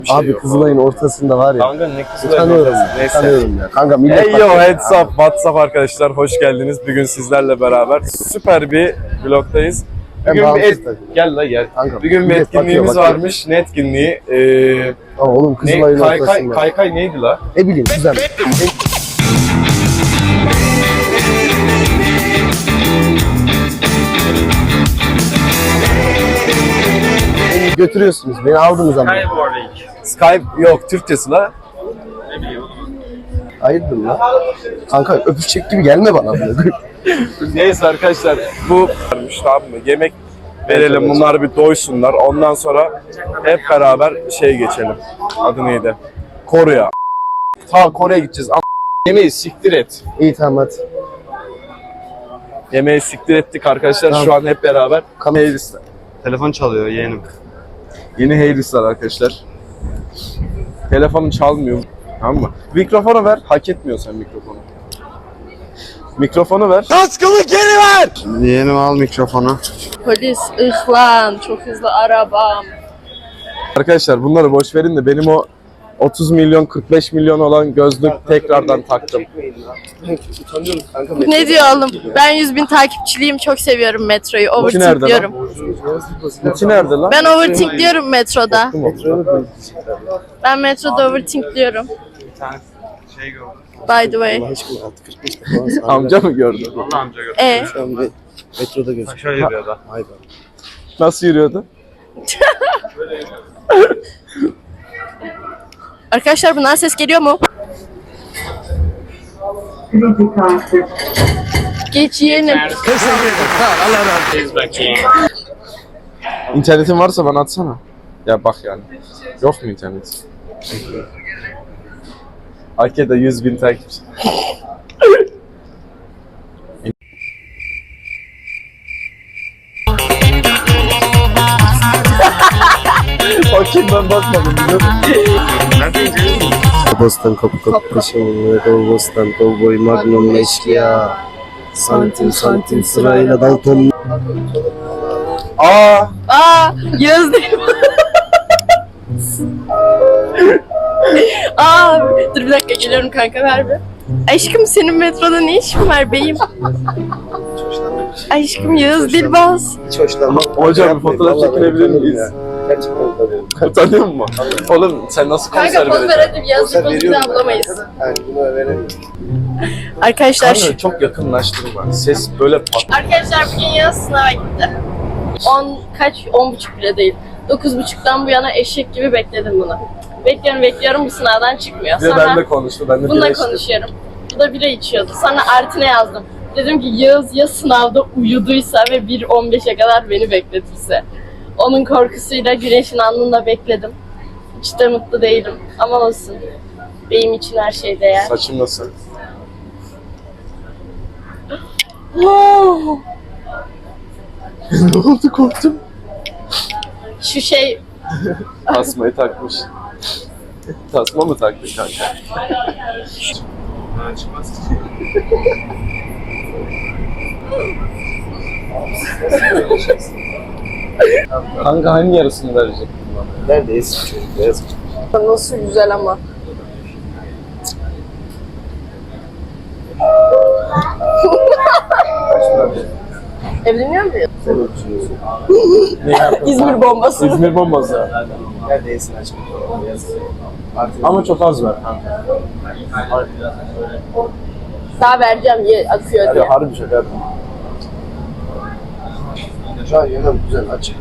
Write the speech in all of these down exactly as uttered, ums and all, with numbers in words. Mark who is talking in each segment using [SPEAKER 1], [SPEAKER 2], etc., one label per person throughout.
[SPEAKER 1] Şey
[SPEAKER 2] Abi Kızılay'ın ortasında var ya.
[SPEAKER 1] Kanka ne Kızılay'ın
[SPEAKER 2] Tanıyorum
[SPEAKER 1] ortası?
[SPEAKER 2] ya.
[SPEAKER 1] Neyse.
[SPEAKER 2] Tanıyorum ya. Kanka millet
[SPEAKER 1] Hey yo heads up WhatsApp arkadaşlar, hoş geldiniz. Bugün sizlerle beraber süper bir vlogdayız.
[SPEAKER 2] Ben
[SPEAKER 1] Bugün bir
[SPEAKER 2] bağımsız
[SPEAKER 1] et...
[SPEAKER 2] tabii.
[SPEAKER 1] Gel la gel.
[SPEAKER 2] Kanka,
[SPEAKER 1] Bugün bir
[SPEAKER 2] millet
[SPEAKER 1] etkinliğimiz
[SPEAKER 2] bakıyor, bakıyor.
[SPEAKER 1] varmış. Ne etkinliği? Ee,
[SPEAKER 2] Ama oğlum
[SPEAKER 1] ne?
[SPEAKER 2] Kızılay'ın
[SPEAKER 1] Kaykay,
[SPEAKER 2] ortasında.
[SPEAKER 1] kaykay neydi la?
[SPEAKER 2] Ne bileyim güzel. Beni götürüyorsunuz. Beni aldınız ama.
[SPEAKER 1] Skype yok, Türkçesi la.
[SPEAKER 2] Hayırdır lan? Kanka öpüşecek gibi gelme bana.
[SPEAKER 1] Neyse arkadaşlar, bu varmış, tamam mı? Yemek verelim, bunlar bir doysunlar. Ondan sonra hep beraber şey geçelim. Adı neydi? Kore'ye. Ta Kore'ye gideceğiz. Ama yemeği siktir et.
[SPEAKER 2] İyi tamam hadi.
[SPEAKER 1] Yemeği siktir ettik arkadaşlar.
[SPEAKER 2] Tamam.
[SPEAKER 1] Şu an hep beraber.
[SPEAKER 2] Kamera.
[SPEAKER 1] Heylisler.
[SPEAKER 3] Telefon çalıyor yeğenim.
[SPEAKER 1] Yeni Heylisler arkadaşlar. Telefonum çalmıyor. Tamam mı? Mikrofonu ver. Hak etmiyorsan mikrofonu. Mikrofonu ver. Kaskımı geri ver!
[SPEAKER 3] Yeğenim al mikrofonu.
[SPEAKER 4] Polis, ıhlan, çok hızlı arabam.
[SPEAKER 1] Arkadaşlar bunları boş verin de benim o otuz milyon kırk beş milyon olan gözlük tekrardan taktım.
[SPEAKER 4] Ne diyor oğlum? Ben yüz bin takipçiliyim, çok seviyorum metroyu.
[SPEAKER 1] Muti nerede
[SPEAKER 4] Overthink
[SPEAKER 1] lan?
[SPEAKER 4] diyorum.
[SPEAKER 1] Muti nerede lan?
[SPEAKER 4] Ben overthink diyorum metroda.
[SPEAKER 2] Metroyu
[SPEAKER 4] Ben metroda overthink diyorum.
[SPEAKER 3] Bir tane şey gördüm.
[SPEAKER 4] By the way.
[SPEAKER 2] aşkına altı kırk beşte falan sağ
[SPEAKER 1] Amca mı gördün?
[SPEAKER 3] Allah amca gördüm.
[SPEAKER 4] E,
[SPEAKER 2] Şu an bir metroda gözüküyor.
[SPEAKER 3] Şöyle yürüyor da.
[SPEAKER 2] Hayda.
[SPEAKER 1] Nasıl yürüyordu?
[SPEAKER 4] arkadaşlar bundan ses geliyor mu? Geç yeğenim.
[SPEAKER 1] İnternetin varsa bana atsana. Ya bak yani. Yok mu internet? Ake'de yüz bin takipçi. Bakayım ben bakmadım biliyor musun?
[SPEAKER 2] Bostan kapı kapı peşimde. Bostan kovboy magnum eşkıya. Santim santim sırayla Dalton.
[SPEAKER 1] Aa,
[SPEAKER 4] Aa, Yağız değil. Aa, dur bir dakika geliyorum kanka, ver bir. Aşkım senin metroda ne işin var beyim? Aşkım Yağız Dilbaz.
[SPEAKER 2] Hiç hoşlanmam.
[SPEAKER 1] hocam bir fotoğraf
[SPEAKER 2] Vallahi
[SPEAKER 1] çekilebilir
[SPEAKER 2] utanıyorum
[SPEAKER 1] miyiz?
[SPEAKER 2] ya. Gerçekten utanıyorum.
[SPEAKER 1] Utanıyor musun? Oğlum sen nasıl konser
[SPEAKER 4] Kanka poz ver
[SPEAKER 1] vereceksin?
[SPEAKER 4] hadi, Yağız
[SPEAKER 2] Konser
[SPEAKER 4] Dilbaz'ı bir
[SPEAKER 2] veriyorum
[SPEAKER 4] daha bulamayız.
[SPEAKER 2] Yani bunu veremiyorum.
[SPEAKER 4] Arkadaşlar,
[SPEAKER 1] Kanka çok yakınlaştırma. Ses böyle pat.
[SPEAKER 4] arkadaşlar bugün Yağız sınava gitti. on kaç? on buçuk bile değil. dokuz buçuktan bu yana eşek gibi bekledim bunu. Bekliyorum bekliyorum, bu sınavdan çıkmıyor.
[SPEAKER 1] Bir de
[SPEAKER 4] Sonra
[SPEAKER 1] benimle konuştu. Ben de
[SPEAKER 4] bununla
[SPEAKER 1] birleştim.
[SPEAKER 4] konuşuyorum. Bu da bira içiyordu. Sonra Artin'e yazdım. Dedim ki Yağız ya sınavda uyuduysa ve bir on beşe kadar beni bekletirse. Onun korkusuyla güneşin alnında bekledim. Hiç de mutlu değilim. Ama olsun. Benim için her şey değer.
[SPEAKER 1] Saçım nasıl?
[SPEAKER 4] Oh!
[SPEAKER 1] Ne oldu, korktum.
[SPEAKER 4] Şu şey,
[SPEAKER 1] Tasmayı takmış. Tasma mı taktın kanka?
[SPEAKER 3] Ha, çıkmaz.
[SPEAKER 1] Kanka hangi yarısını verecek bana?
[SPEAKER 2] Nerede eski çocuk? Beyaz çocuk.
[SPEAKER 4] nasıl güzel ama. Evleniyor muyuz?
[SPEAKER 2] Sen ne düşünüyorsun?
[SPEAKER 1] Ne yaptın?
[SPEAKER 4] İzmir bombası.
[SPEAKER 1] İzmir bombası.
[SPEAKER 2] Nerede eski aşkım? Beyaz. Artık
[SPEAKER 1] Ama çok az ver kanka.
[SPEAKER 4] Daha vereceğim, ye, akıyor
[SPEAKER 1] Hadi
[SPEAKER 4] diye.
[SPEAKER 1] harbi şaka yapma.
[SPEAKER 2] şu an yanım güzel açık.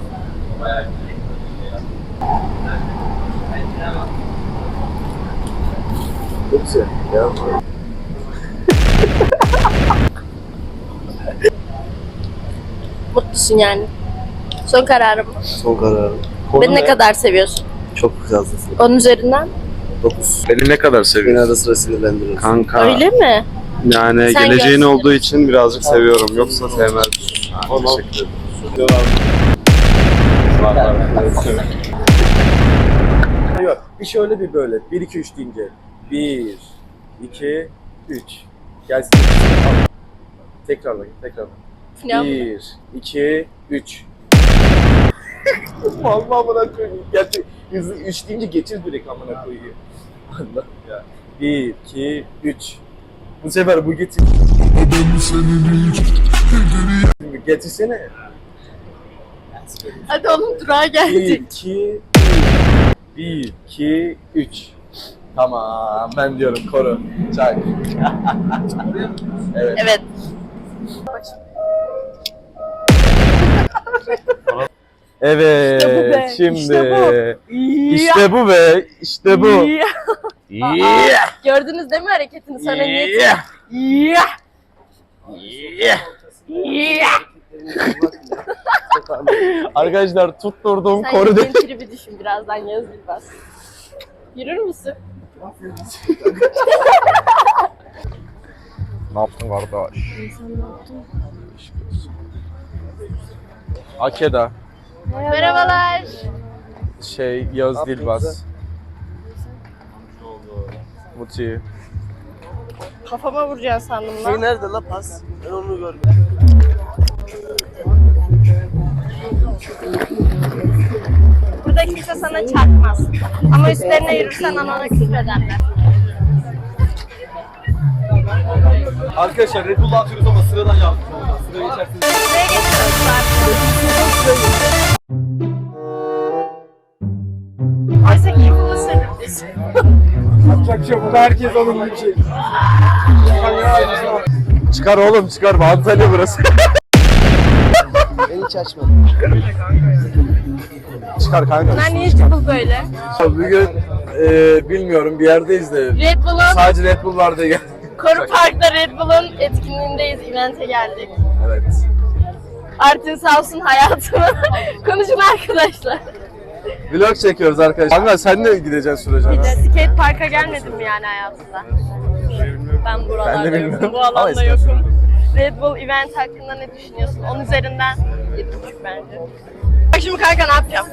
[SPEAKER 2] Çok güzel. Ya.
[SPEAKER 4] Mutlusun yani. Son kararım.
[SPEAKER 2] Son kararım.
[SPEAKER 4] Beni ne kadar seviyorsun?
[SPEAKER 2] Çok fazlasın.
[SPEAKER 4] Onun üzerinden.
[SPEAKER 2] dokuz.
[SPEAKER 3] Beni ne kadar
[SPEAKER 2] Beni
[SPEAKER 3] seviyorsun?
[SPEAKER 2] ara sıra sinirlendiriyorsun.
[SPEAKER 3] Kanka.
[SPEAKER 4] Öyle mi?
[SPEAKER 3] Yani
[SPEAKER 4] Sen
[SPEAKER 3] geleceğin
[SPEAKER 4] görsün.
[SPEAKER 3] olduğu için birazcık seviyorum. Yoksa sevmezdim. Ha, teşekkür ederim.
[SPEAKER 1] Yok, bir şöyle bir böyle. bir iki üç deyince. bir iki üç. Gelsin. Tekrarla, tekrarla.
[SPEAKER 4] Ya,
[SPEAKER 1] bir iki üç. Vallahi bana koyayım. Gerçek Hızlı üç deyince getir direkt amına koyuyor. Allah ya. bir, iki, üç. Bu sefer bu getir. Getirsene.
[SPEAKER 4] Hadi oğlum durağa
[SPEAKER 1] bir,
[SPEAKER 4] geldik.
[SPEAKER 1] iki, bir, iki, üç. Tamam ben diyorum koru. Çay. Evet.
[SPEAKER 4] Evet.
[SPEAKER 1] Evet.
[SPEAKER 4] İşte bu be,
[SPEAKER 1] Şimdi.
[SPEAKER 4] işte
[SPEAKER 1] İşte bu be. İşte bu.
[SPEAKER 4] Aa,
[SPEAKER 1] Yeah.
[SPEAKER 4] gördünüz değil mi hareketini? Sana niyet.
[SPEAKER 1] Yeah.
[SPEAKER 4] Yeah.
[SPEAKER 1] Yeah.
[SPEAKER 4] Yeah.
[SPEAKER 1] Arkadaşlar tutturdum
[SPEAKER 4] Sen
[SPEAKER 1] koru.
[SPEAKER 4] benim tribi düşün birazdan Yağız Bilbaz. Yürür müsün?
[SPEAKER 1] Ne yaptın kardeş? Akeda,
[SPEAKER 4] Merhabalar.
[SPEAKER 1] şey Yağız Dilbaz, Muti.
[SPEAKER 4] Kafama vuracaksın sandım
[SPEAKER 2] Şey
[SPEAKER 4] lan.
[SPEAKER 2] nerede la pas? Ben onu görmedim.
[SPEAKER 4] Burada kimse sana çarpmaz. Ama üstlerine yürürsen anana küfrederler.
[SPEAKER 3] Arkadaşlar Red Bull'u atıyoruz ama sıradan yaptık. Sıraya geçersiniz.
[SPEAKER 4] Buraya geçiyoruz artık. Oysa ki influencer'dık biz.
[SPEAKER 1] Yapacak bir şey yok. Herkes onun bir şey. Çıkar oğlum çıkar. Antalya burası.
[SPEAKER 2] Ben hiç açmadım.
[SPEAKER 1] Çıkar kanka.
[SPEAKER 4] Bunlar niye cıbıl böyle?
[SPEAKER 1] Bugün e, bilmiyorum bir yerdeyiz de.
[SPEAKER 4] Red Bull'un,
[SPEAKER 1] Sadece Red Bull vardı gel.
[SPEAKER 4] Koru Park'ta Red Bull'un etkinliğindeyiz. Event'e geldik.
[SPEAKER 1] Evet.
[SPEAKER 4] Artin sağ olsun hayatımı. Konuşun arkadaşlar.
[SPEAKER 1] Vlog çekiyoruz arkadaşlar. Kanka sen de gideceksin sürece.
[SPEAKER 4] Bir de skate parka gelmedin mi yani hayatında? Ben buralarda
[SPEAKER 1] Ben de bilmiyorum.
[SPEAKER 4] yokum, bu
[SPEAKER 1] Ama
[SPEAKER 4] alanda
[SPEAKER 1] istersen.
[SPEAKER 4] yokum. Red Bull event hakkında ne düşünüyorsun? On üzerinden yedi buçuk bence. Bak şimdi kanka ne yapacağım?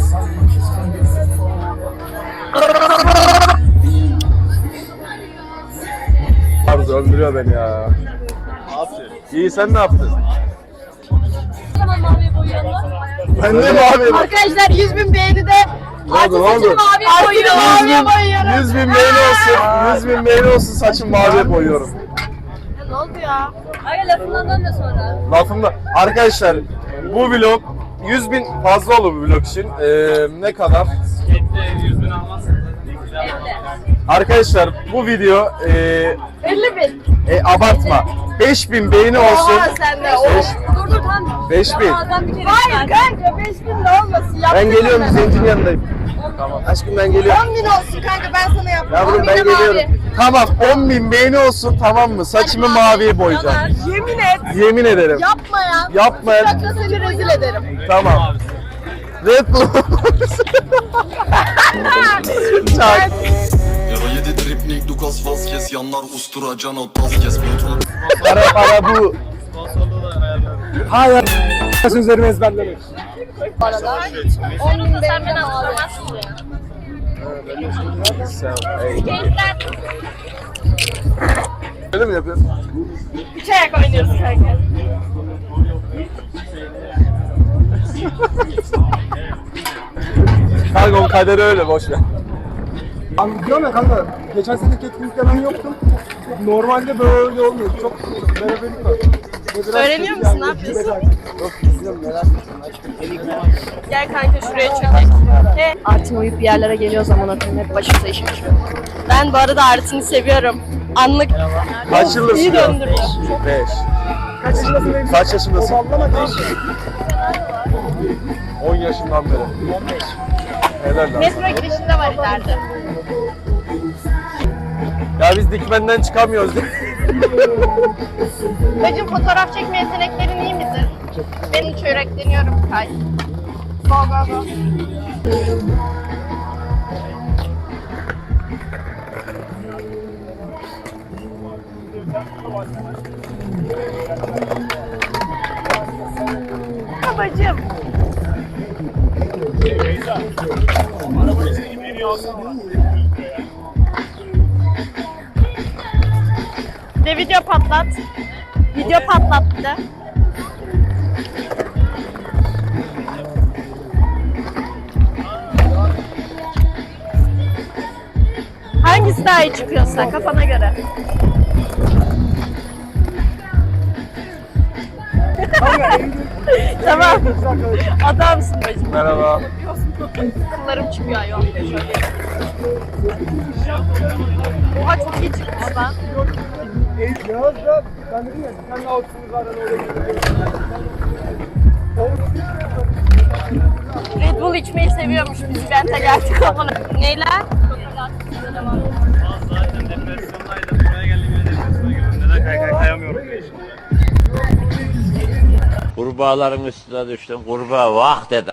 [SPEAKER 1] Arzu öldürüyor beni ya. İyi sen ne yaptın? Ben de mi abi?
[SPEAKER 4] Arkadaşlar yüz bin beğeni de
[SPEAKER 1] Ne oldu, ne oldu?
[SPEAKER 4] maviye boyuyorum. Maviye boyuyorum.
[SPEAKER 1] yüz bin beğeni olsun. yüz bin beğeni olsun saçım maviye boyuyorum.
[SPEAKER 4] Ya ne oldu ya? Ay lafından dönme sonra.
[SPEAKER 1] Lafımda. Arkadaşlar bu vlog yüz bin fazla olur bu vlog için. Ee, ne kadar?
[SPEAKER 3] yüz bin almazsın.
[SPEAKER 1] Arkadaşlar bu video e,
[SPEAKER 4] elli bin.
[SPEAKER 1] e, abartma. beş bin beğeni olsun.
[SPEAKER 4] Oha sen de.
[SPEAKER 1] Beş-
[SPEAKER 4] Dur dur tamam.
[SPEAKER 1] beş bin.
[SPEAKER 4] Hayır kanka beş bin de olmasın.
[SPEAKER 1] Ben
[SPEAKER 4] Yaptın
[SPEAKER 1] geliyorum
[SPEAKER 4] hemen.
[SPEAKER 1] zencinin yanındayım. Tamam. Aşkım ben geliyorum.
[SPEAKER 4] on bin olsun kanka ben sana yaptım.
[SPEAKER 1] Yavrum
[SPEAKER 4] on
[SPEAKER 1] ben
[SPEAKER 4] bin de
[SPEAKER 1] geliyorum.
[SPEAKER 4] mavi.
[SPEAKER 1] Tamam on bin beğeni olsun tamam mı? Saçımı
[SPEAKER 4] Hadi mavi.
[SPEAKER 1] maviye boyayacağım.
[SPEAKER 4] Yemin et.
[SPEAKER 1] Yemin ederim.
[SPEAKER 4] Yapma ya.
[SPEAKER 1] Yapma ya.
[SPEAKER 4] Dakika seni rezil ederim.
[SPEAKER 1] Tamam. Red Bull. Çak.
[SPEAKER 5] Yara yedi tripnik Lucas Vazquez yanlar ustura can o tas kes patron.
[SPEAKER 1] Para para bu. Hayır. Sözlerimi ezberlemek.
[SPEAKER 4] Bu arada on bin sen beni hatırlamazsın ya. Gençler
[SPEAKER 1] Öyle mi yapıyorsun?
[SPEAKER 4] üç ayak oynuyoruz kanka.
[SPEAKER 1] Kanka o kaderi öyle boş ver.
[SPEAKER 6] Abi diyorum ya kanka, geçen seneki etkinlikte ben yoktum. Normalde böyle olmuyor. Çok beraberlik var. Ve biraz
[SPEAKER 4] Öğreniyor
[SPEAKER 6] kötü
[SPEAKER 4] musun? Ne
[SPEAKER 6] yani.
[SPEAKER 4] yapıyorsun?
[SPEAKER 2] Yok izliyorum merak ettim.
[SPEAKER 4] Gel kanka şuraya çökek. He. Artin uyup bir yerlere geliyor zaman atın hep başımıza iş açıyor. Ben bu arada Artin'i seviyorum. Anlık
[SPEAKER 1] Kaç yıllık
[SPEAKER 4] iyi
[SPEAKER 1] sürüyor?
[SPEAKER 4] döndürüyor.
[SPEAKER 1] Beş.
[SPEAKER 6] Kaç yaşındasın benim?
[SPEAKER 1] Kaç yaşındasın?
[SPEAKER 6] Sallama beş.
[SPEAKER 1] on yaşından beri. on beş. Helal lan.
[SPEAKER 4] Metro girişinde var ileride.
[SPEAKER 1] Ya biz dikmenden çıkamıyoruz değil mi?
[SPEAKER 4] Bacım fotoğraf çekme yeteneklerin iyi midir? Ben hiç öğretleniyorum Kay. Go go go. Babacım. De video patlat. Video patlat bir de. Hangisi daha iyi çıkıyorsa kafana göre. Tamam. Adamsın bacım.
[SPEAKER 1] Merhaba.
[SPEAKER 4] Kıllarım çıkıyor ayol. Oha çok iyi çıkmış lan.
[SPEAKER 6] Yağız da ben dedim ya sen de altısınız zaten oraya gidiyorsun.
[SPEAKER 4] Red Bull içmeyi seviyormuş. Biz Bent'e geldik ama. Neyler?
[SPEAKER 7] Zaten depresyondaydım. Buraya geldiğimde depresyona girdim. Neden kaykay kayamıyorum diye.
[SPEAKER 8] Kurbağaların üstüne düştüm. Kurbağa vah dedi.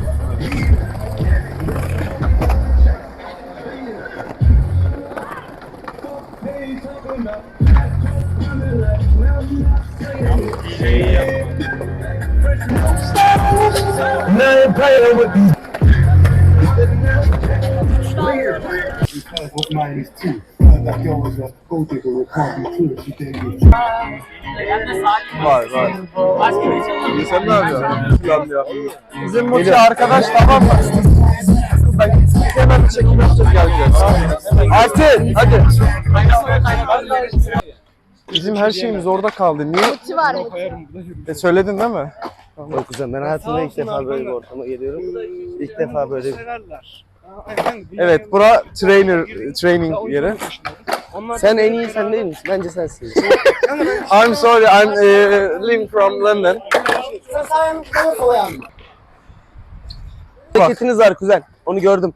[SPEAKER 9] What mine is too. Like there was a gold digger with coffee too. She didn't get
[SPEAKER 1] Var var. Sen ne yapıyorsun? Plan ya. Bizim bu arkadaş tamam mı? Biz hemen bir çekim yapacağız geleceğiz. Artin hadi. Bizim her şeyimiz orada kaldı. Niye?
[SPEAKER 4] Ulti var mı?
[SPEAKER 1] E, söyledin değil mi?
[SPEAKER 2] Yok güzel, ben hayatımda ilk defa böyle bir ortama geliyorum. İlk defa böyle bir...
[SPEAKER 1] Evet, bura trainer training yeri.
[SPEAKER 2] Sen en iyi sen değil misin? Bence sensin.
[SPEAKER 1] I'm sorry, I'm uh, living from London.
[SPEAKER 2] Hareketiniz var kuzen. Onu gördüm.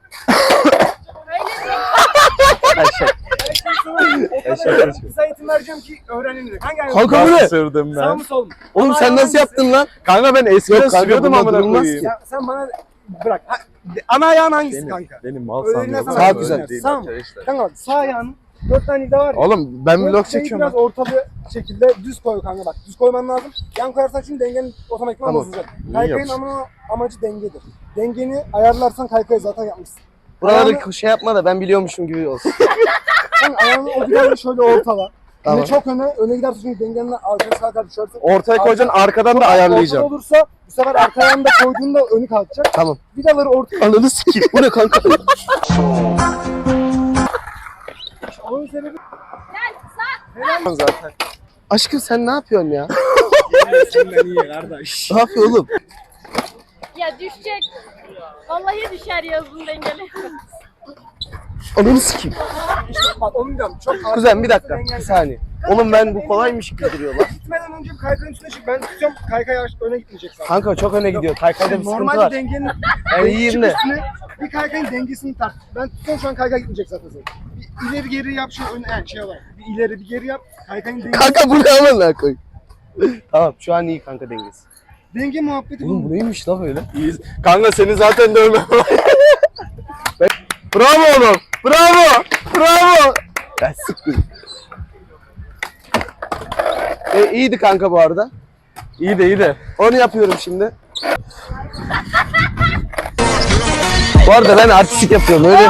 [SPEAKER 2] Aşağı. Aşağı.
[SPEAKER 6] Size eğitim vereceğim ki öğrenin. Hangi ayağı?
[SPEAKER 2] Kanka bu ne?
[SPEAKER 1] Sırdım
[SPEAKER 6] Sağ
[SPEAKER 1] ben.
[SPEAKER 6] mı sol mu?
[SPEAKER 2] Oğlum sen nasıl yaptın lan?
[SPEAKER 1] Kanka ben eskiden
[SPEAKER 2] Yok kanka,
[SPEAKER 1] sürüyordum
[SPEAKER 2] bunda
[SPEAKER 1] amına
[SPEAKER 2] durulmaz
[SPEAKER 1] koyayım.
[SPEAKER 2] ki.
[SPEAKER 6] Ya sen bana bırak. Ha, ana ayağın hangisi kanka?
[SPEAKER 1] Benim mal
[SPEAKER 6] Öyle
[SPEAKER 1] sanıyorum.
[SPEAKER 6] nasıl
[SPEAKER 2] Sağ
[SPEAKER 6] ayağın?
[SPEAKER 2] güzel.
[SPEAKER 1] Değil
[SPEAKER 6] Sağ mı?
[SPEAKER 1] arkadaşlar.
[SPEAKER 6] Kanka bak sağ ayağın dört tane vida var ya.
[SPEAKER 1] Oğlum ben
[SPEAKER 6] Böyle
[SPEAKER 1] vlog
[SPEAKER 6] şeyi
[SPEAKER 1] çekiyorum.
[SPEAKER 6] biraz ortalı şekilde düz koy kanka bak. Düz koyman lazım. Yan koyarsan çünkü dengenin otomatikman
[SPEAKER 2] Tamam.
[SPEAKER 6] bozulacak. Kaykayın ama amacı dengedir. Dengeni ayarlarsan kaykayı zaten yapmışsın.
[SPEAKER 2] Buraları
[SPEAKER 6] Ayağını-
[SPEAKER 2] şey yapma da ben biliyormuşum gibi olsun.
[SPEAKER 6] Sen ayağını o vidanla şöyle ortala.
[SPEAKER 2] Tamam.
[SPEAKER 6] Yine çok öne, öne gidersin çünkü dengenin arkaya sağa kadar düşersin.
[SPEAKER 1] Ortaya koyacaksın, arkadan da
[SPEAKER 6] Çok
[SPEAKER 1] ayarlayacağım.
[SPEAKER 6] ortada olursa bu sefer arka ayağını da koyduğunda önü kalkacak.
[SPEAKER 2] Tamam.
[SPEAKER 6] Vidaları ortaya.
[SPEAKER 2] Ananı sikeyim. Bu ne kanka?
[SPEAKER 6] Onun sebebi
[SPEAKER 1] Zaten.
[SPEAKER 2] Aşkım sen ne yapıyorsun ya?
[SPEAKER 6] senden iyi kardeş.
[SPEAKER 2] Ne yapıyor oğlum?
[SPEAKER 4] Ya düşecek. Vallahi düşer yazın dengeli.
[SPEAKER 2] Ananı sikeyim.
[SPEAKER 6] Bak onu diyorum. Çok
[SPEAKER 2] Kuzen bir dakika. Bir saniye. Oğlum ben bu kolaymış gibi duruyor lan.
[SPEAKER 6] Gitmeden önce bir kaykayın üstüne çık. Ben tutuyorum kaykay yavaş öne gitmeyecek zaten.
[SPEAKER 2] Kanka çok öne gidiyor. Kaykayda bir sıkıntı
[SPEAKER 6] Normalde
[SPEAKER 2] var.
[SPEAKER 6] dengenin
[SPEAKER 2] Yani iyiyim de.
[SPEAKER 6] üstüne bir kaykayın dengesini tart. Ben tutuyorum şu an kaykay gitmeyecek zaten senin. Bir ileri geri yap şey öne yani şey olarak. Bir ileri bir geri yap. Kaykayın dengesi.
[SPEAKER 2] Kanka bu ne amına koy. Tamam şu an iyi kanka dengesi.
[SPEAKER 6] Denge muhabbeti
[SPEAKER 2] Oğlum
[SPEAKER 6] bu.
[SPEAKER 2] bu neymiş lan öyle?
[SPEAKER 1] İyi. Kanka seni zaten dövmem. Bravo oğlum. Bravo. Bravo.
[SPEAKER 2] Ben sıktım. E, iyiydi kanka bu arada.
[SPEAKER 1] İyi de iyi de.
[SPEAKER 2] Onu yapıyorum şimdi. Bu arada ben artistik yapıyorum öyle.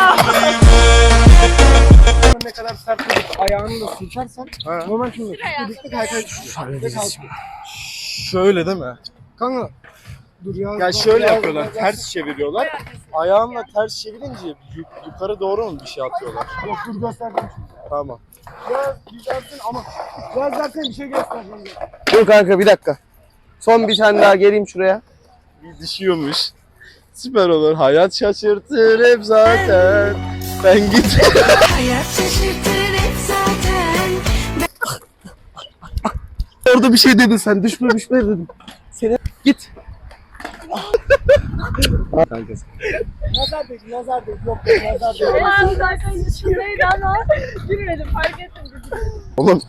[SPEAKER 6] Ne kadar sert tutup ayağını da sürtersen normal şimdi birlikte kaykay düşüyor. Ve kalkıyor.
[SPEAKER 1] Şöyle değil mi?
[SPEAKER 6] Kanka dur ya.
[SPEAKER 1] Ya şöyle yapıyorlar. Ters çeviriyorlar. Ayağınla ters çevirince yuk- yukarı doğru mu bir şey atıyorlar?
[SPEAKER 6] Yok dur gösterdim şimdi.
[SPEAKER 1] Tamam.
[SPEAKER 6] Biraz düzelsin ama biraz dersen bir şey göstereceğim.
[SPEAKER 2] Dur kanka bir dakika. Son bir tane daha geleyim şuraya.
[SPEAKER 1] Bir düşüyormuş. Süper olur. Hayat şaşırtır hep zaten. Ben git.
[SPEAKER 10] Hayat şaşırtır hep zaten.
[SPEAKER 2] Orada bir şey dedin sen. Düşme düşme dedim. Seni git. Kanka.
[SPEAKER 6] Nazar değil, nazar değil. Yok nazar değil.
[SPEAKER 4] Ben zaten içindeydi ama gülmedim fark ettim.
[SPEAKER 1] Oğlum.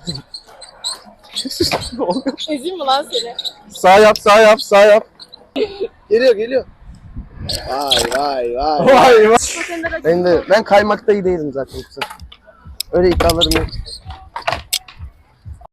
[SPEAKER 4] Ezeyim mi lan seni?
[SPEAKER 1] Sağ yap, sağ yap, sağ yap.
[SPEAKER 2] Geliyor geliyor. Vay vay vay.
[SPEAKER 1] Vay vay.
[SPEAKER 2] Ben de ben kaymakta iyi değilim zaten. Öyle iddialarım yok.